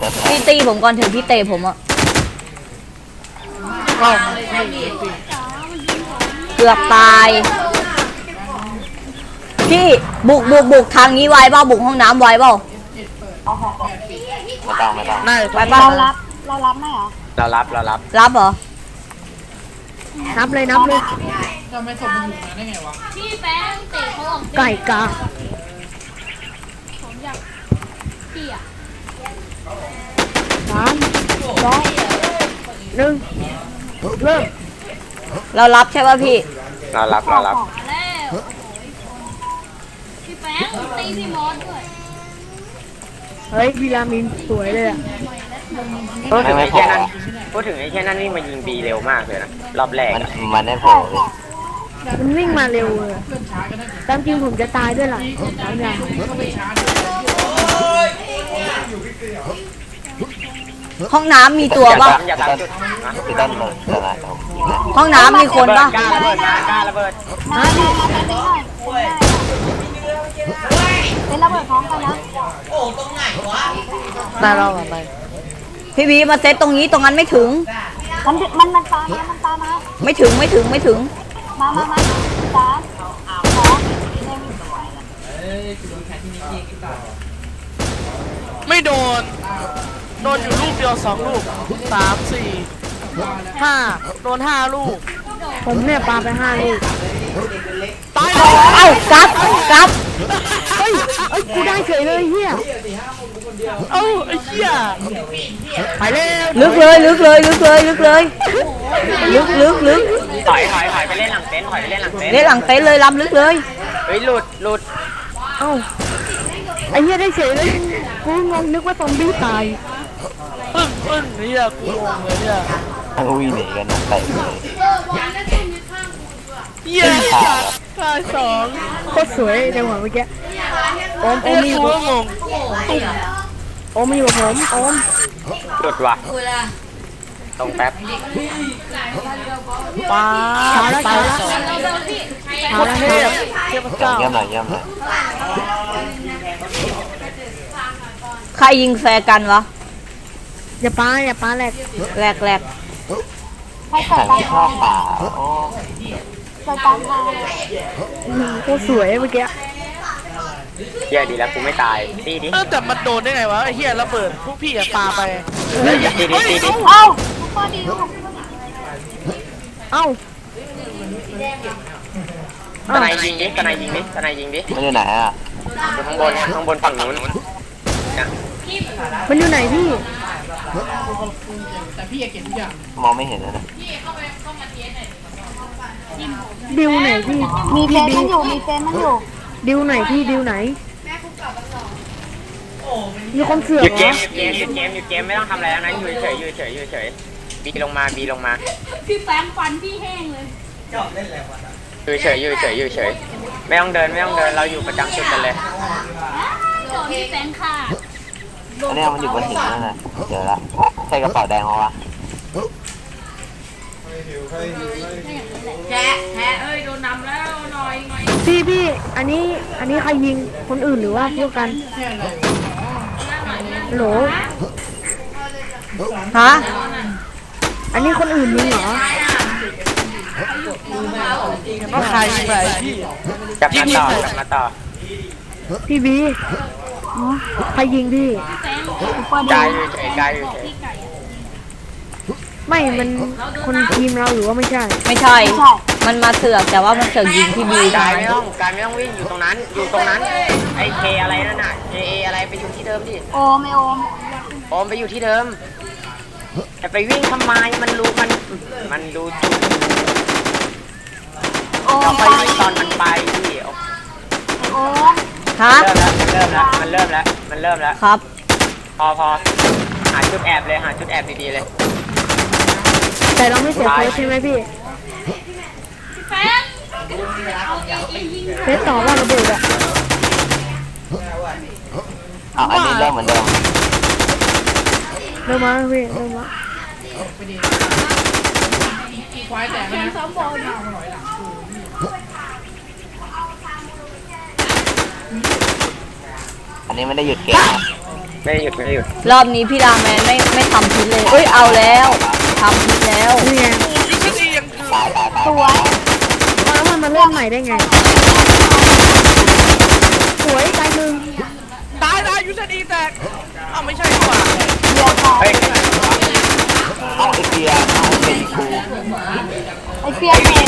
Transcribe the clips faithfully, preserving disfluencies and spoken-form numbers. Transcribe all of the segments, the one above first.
พี่ตีผมก่อนถึงพี่เตะผมอะเกือบตายพี่บุกบุกบุกทางนี้ไว้เปล่าบุกห้องน้ำไว้เปล่าไม่ต้องไม่ต้องไปเปล่าเรารับเรารับไหมเหรอเรารับเรารับรับเหรอนับเลยนับเลยจะไม่ส่งมันอยู่นะได้ไงวะพี่แป้งเตะเขาออกไก่กาผมอยากพี่อ่ะสามสองหนึ่งเริ่มเรารับใช่ป่ะพี่เรารับเรารับมาแล้วพี่แป้งตีพี่มอสด้วยเฮ้ยวิลามินสวยเลยอ่ะพูดถึงไอ้แค่นั้นพูดถึงไอ้แค่นั้นวิ่งมายิงบีเร็วมากเลยนะรอบแรกมันมันได้โผล่มันวิ่งมาเร็วเลยอะตามจริงผมจะตายด้วยล่ะสามอย่างห้องน้ำมีตัวป่ะอย่าตามจุดนะคือด้านเลยแต่ละเอายิงนะห้องน้ำมีคนป่ะกล้าระเบิดนะกล้าระเบิดมามามามาตีหน่อยเป็นระเบิดพร้อมกันนะตายเราอ่ะไปพี่บีมาเซตตรงนี้ตรงนั้นไม่ถึงมันมันมันตามมามันตามมาไม่ถึงไม่ถึงไม่ถึงมามามาสามสองหนึ่งไม่โดนโดนอยู่ลูกเดียวสองลูกสามสี่ห้าโดนห้าลูกผมเนี่ยปาไปห้าลูกตายเอ้ากลับกลับเฮ้ยเอ้ยกูได้เฉยเลยเฮียเอ้าไอ้เหี้ยไปแล้วลึกเลยลึกเลยลึกเลยลึกเลยลึกลึกลึกถอยถอยถอยไปเล่นหลังเต็นท์ถอยไปเล่นหลังเต็นท์เล่นหลังเต็นท์เลยล้ำลึกเลยเฮ้ยหลุดหลุดเอ้าไอ้เฮียได้เฉยเลยกูงงนึกว่าซอมบี้ตายปึ้งปึ้งเหี้ยกูงงเลยเนี่ยทั้งวิ่งหนีกันนะเตะเลยเหี้ยตายสองโคตรสวยจังหวะเมื่อกี้โอมโอเอ้มยมีกูก็งงโอมมีอยู่กับผมโอมหลุดว่ะตรงแป๊บป้าเช้าแล้วตาเช้าย แล้วสองเช้าแล้วเทเช้าพแล้วเทพเจ้าเยี่ยมหน่อยเยี่ยมหน่อยใครยิงแฟร์กันวะอย่าปาอย่าปาแหลกแหลกแหลกให้เกิแข่ดงการที่ชอบป่าโอ้เกิดการทางอื้อหือโคตรสวยเมื่อกี้เหี้ยดีแล้วกูไม่ตายตีดิเออแต่มันโดนได้ไงวะไอ้เหี้ยระเบิดพวกพี่อะปาไปตีดิตีดิตีดิเอ้าข้อดีลูกเอ้าตะไนยิงดิตะไนยิงดิตะไนยิงดิมันอยู่ไหนอ่ะอยู่ข้างบนข้างบนฝั่งนู้นเนี่ยมันอยู่ไหนพี่แต่พี่เก็บทุกอย่างมองไม่เห็นเลยนะดิวไหนพี่มีเฟนมันอยู่มีเฟนมันอยู่ดิวไหนพี่ดิวไหนมีคนเสือกหยุดเหเกรอมหยุดเกมหยุดเกมหยุดเกมไม่ต้องทำอะไรแล้วนะอยู่เฉยอยู่เฉยอยู่เฉยบีลงมาบีลงมาพี่แป้งฟันพี่แห้งเลยอยู่เฉยอยู่เฉยอยู่เฉยไม่ต้องเดินไม่ต้องเดินเราอยู่ประจำจุดกันเลยโดนพี่แป้งค่ะอันนี้มันอยู่บนหินนั่นน่ะเจอละใช่กระเป๋าแดงเหรอวะแฉะแฉะเอ้ยโดนนำแล้วหน่อยหน่อยพี่พี่อันนี้อันนี้ใครยิงคนอื่นหรือว่าพวกกันโหลฮะอันนี้คนอื่นยิงเหรอว่าใครยิงไปพี่กลับมาต่อกลับมาต่อพี่บีอ๋อใครยิงพี่กายอยู่เฉยกายอยู่เฉยไม่ มันคนทีมเราหรือว่าไม่ใช่ไม่ใช่ มันมาเสือกแต่ว่ามันเสือกยิงพี่บีกายไม่ต้องกายไม่ต้องวิ่งอยู่ตรงนั้นอยู่ตรงนั้นไอเคอะไรนั่นน่ะเคเออะไรไปอยู่ที่เดิมดิโอมไม่โอมโอมไปอยู่ที่เดิมจะไปวิ่งทำไมมันรู้มันมันดูจุดโอเรามไปไปวิ่งตอนมันไปพี่โอมฮะเริ่มแล้วมันเริ่มแล้วมันเริ่มแล้วมันเริ่มแล้วครับพอพอหาจุดแอบเลยหาจุดแอบดีๆเลยแต่เราไม่เสียเฟสใช่ไหมพี่แป้งเอาเอเอยิงเฟสต่อว่าระเบิดอะอ้าวอันนี้เริ่มเหมือนเดิมเริ่มมาพี่เริ่มมาควายแตกนะซ้อมบอลอันนี้ไม่ได้หยุดเกมนะไม่ได้หยุดไม่ได้หยุดรอบนี้พี่ราแมนไม่ไม่ทำพิษเลยเอ้ยเอาแล้วทำพิษแล้วนี่ไงยูซีดียังคือสวยแล้วมันมาเล่นใหม่ได้ไงสวยตายหนึ่งตายตายยูซีดีแตกอ้าวไม่ใช่ดีกว่าเฮ้ยเอาไอเบียร์เอาไอเบียร์กูไอเปียกเนี่ย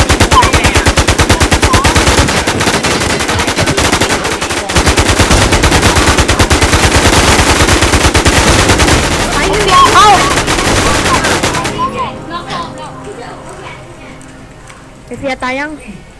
เอ้าไอเฟียตายยังต